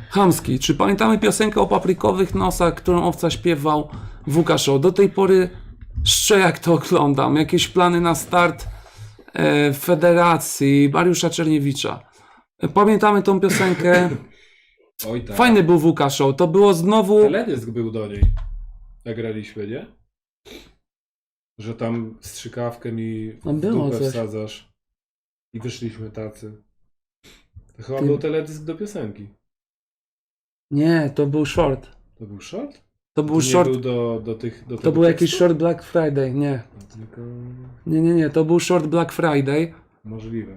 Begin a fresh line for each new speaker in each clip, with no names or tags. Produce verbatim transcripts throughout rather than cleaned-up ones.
Chamski. Czy pamiętamy piosenkę o paprykowych nosach, którą Owca śpiewał w W K Show? Do tej pory szczerze jak to oglądam. Jakieś plany na start e, Federacji Mariusza Czerniewicza. E, Pamiętamy tą piosenkę.
Oj tak.
Fajny był W K Show. To było znowu...
Teledysk był do niej. Jak graliśmy, nie? Że tam strzykawkę mi w
No było
dupę
coś.
wsadzasz. I wyszliśmy tacy. To chyba
Ty-
był teledysk do piosenki.
Nie, to był short.
To był short?
To był
To
short.
nie był do, do tych... Do
To
tego
był jakiś
tekstu?
short Black Friday. Nie.
Tylko...
Nie, nie, nie. To był short Black Friday.
Możliwe.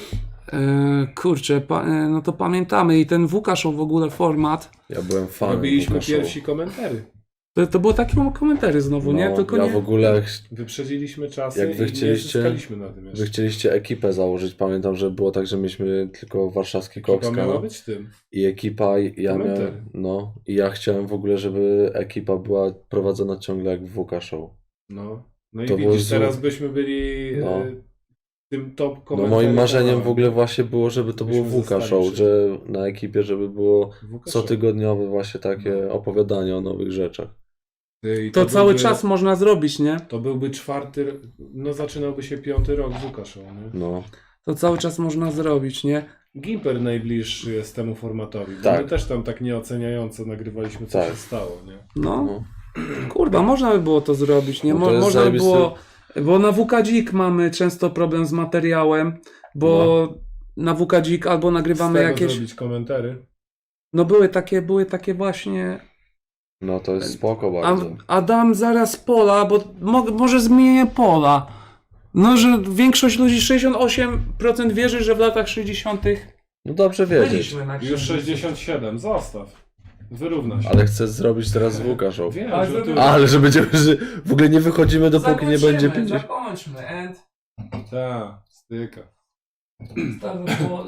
E, kurczę, pa, e, no to pamiętamy. I ten W K Show w ogóle format.
Ja byłem fanem
Robiliśmy
W K Show.
pierwsi komentary.
To, to było takie komentarze znowu,
No,
nie? Tylko
ja
nie...
w ogóle,
Wyprzedziliśmy czasy
Jak wy
i nie
chcieliście-
zyskaliśmy na tym jeszcze.
wy chcieliście ekipę założyć, pamiętam, że było tak, że mieliśmy tylko warszawski
Chyba
Koks
miała
no.
być tym.
i ekipa, i ja
Komentary.
miałem, no, i ja chciałem w ogóle, żeby ekipa była prowadzona ciągle jak w W K Show.
No, no i
To było
widzisz,
zło-
teraz byśmy byli
No.
e, tym top
No
komentarzem.
moim marzeniem w ogóle właśnie było, żeby to było
Byśmy
W K
zostali
Show,
przy-
że na ekipie, żeby było
W K Show.
cotygodniowe właśnie takie
No.
opowiadanie o nowych rzeczach.
Ty, i
To cały
byłby,
czas można zrobić, nie?
To byłby czwarty, no zaczynałby się piąty rok W K Show, nie?
No,
To cały czas można zrobić, nie?
Gimper najbliższy jest temu formatowi, bo
Tak.
my też tam tak nieoceniająco nagrywaliśmy, co
Tak.
się stało, nie?
No,
no.
kurwa, można by było to zrobić, nie?
No to
Mo-
jest
można by
zajebisty-
było... Bo na W K Dzik mamy często problem z materiałem, bo na W K Dzik albo
Z
nagrywamy
tego
jakieś...
zrobić komentary.
No były takie, były takie właśnie...
No to jest spoko
A,
bardzo.
Adam zaraz pola, bo mo, może zmienię pola. No, że większość ludzi, sześćdziesiąt osiem procent wierzy, że w latach sześćdziesiątych
No dobrze wiedzieć.
byliśmy na
Już
księżycu.
sześćdziesiąt siedem, zostaw. Wyrówna się.
Ale chcę zrobić teraz W K Show.
Wiem,
Ale
że
zrobię-
tu...
Ale że będziemy, że w ogóle nie wychodzimy dopóki nie
Zakończymy,
będzie pięćdziesiąt.
Zakończmy, and...
Ta, styka.
To by było...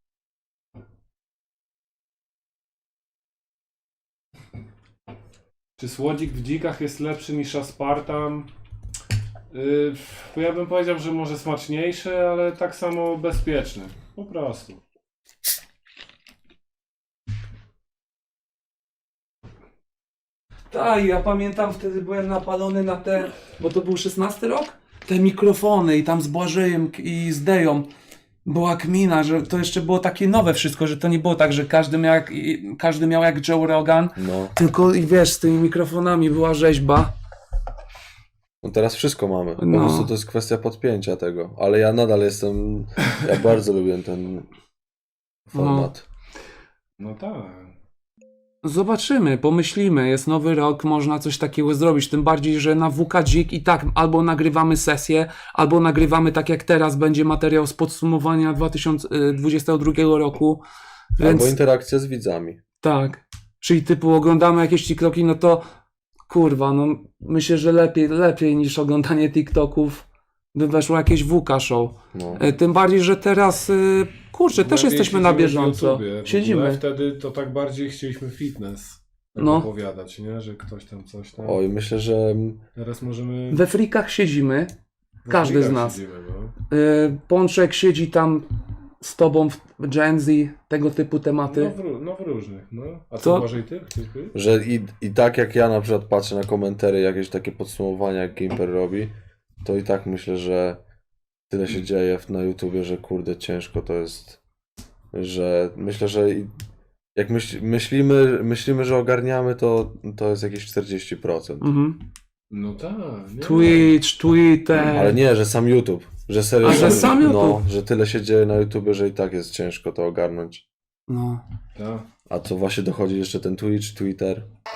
Czy słodzik w dzikach jest lepszy niż aspartam? Yy, bo ja bym powiedział, że może smaczniejszy, ale tak samo bezpieczny. Po prostu.
Tak, ja pamiętam, wtedy byłem napalony na te, bo to był szesnasty rok? Te mikrofony i tam z Błażejem i z Deją była kmina, że to jeszcze było takie nowe wszystko, że to nie było tak, że każdy miał jak, i- każdy miał jak Joe Rogan,
No.
tylko i wiesz, z tymi mikrofonami była rzeźba.
No teraz wszystko mamy. Po
No.
prostu to jest kwestia podpięcia tego. Ale ja nadal jestem. Ja bardzo lubię ten format.
No tak.
Zobaczymy, pomyślimy, jest nowy rok, można coś takiego zrobić, tym bardziej, że na W K Dzik i tak albo nagrywamy sesję, albo nagrywamy tak jak teraz, będzie materiał z podsumowania dwa tysiące dwudziestego drugiego roku, więc
Albo interakcja z widzami.
tak, czyli typu oglądamy jakieś TikToki, no to kurwa, no myślę, że lepiej, lepiej niż oglądanie TikToków by weszło jakieś W K Show.
No.
E, Tym bardziej, że teraz, y, kurczę, też
Głębiej
jesteśmy na
siedzimy w
bieżąco.
YouTubie. W ogóle
Siedzimy.
Wtedy to tak bardziej chcieliśmy fitness tak
No.
opowiadać, nie? Że ktoś tam coś tam.
Oj, myślę, że
Teraz możemy...
We frikach siedzimy.
w
każdy z
frikach
nas.
Siedzimy, no.
Y, Pączek siedzi tam z tobą w Gen Z, tego typu
No,
tematy.
w, ró- no w różnych, no. A
To-
co Błażej ty? Chcesz być?
że i, i tak jak ja na przykład patrzę na komentary, jakieś takie podsumowania, jak Gimper robi, to i tak myślę, że tyle się dzieje na YouTubie, że kurde ciężko to jest, że myślę, że i- jak myśl, myślimy, myślimy, że ogarniamy, to, to jest jakieś czterdzieści procent.
Mhm.
No tak. nie
Twitch, Twitter.
Ale nie, że sam YouTube, że serio,
A, że sam
no,
YouTube?
że tyle się dzieje na YouTubie, że i tak jest ciężko to ogarnąć.
No.
ma. Tak.
A co właśnie dochodzi jeszcze ten Twitch, Twitter.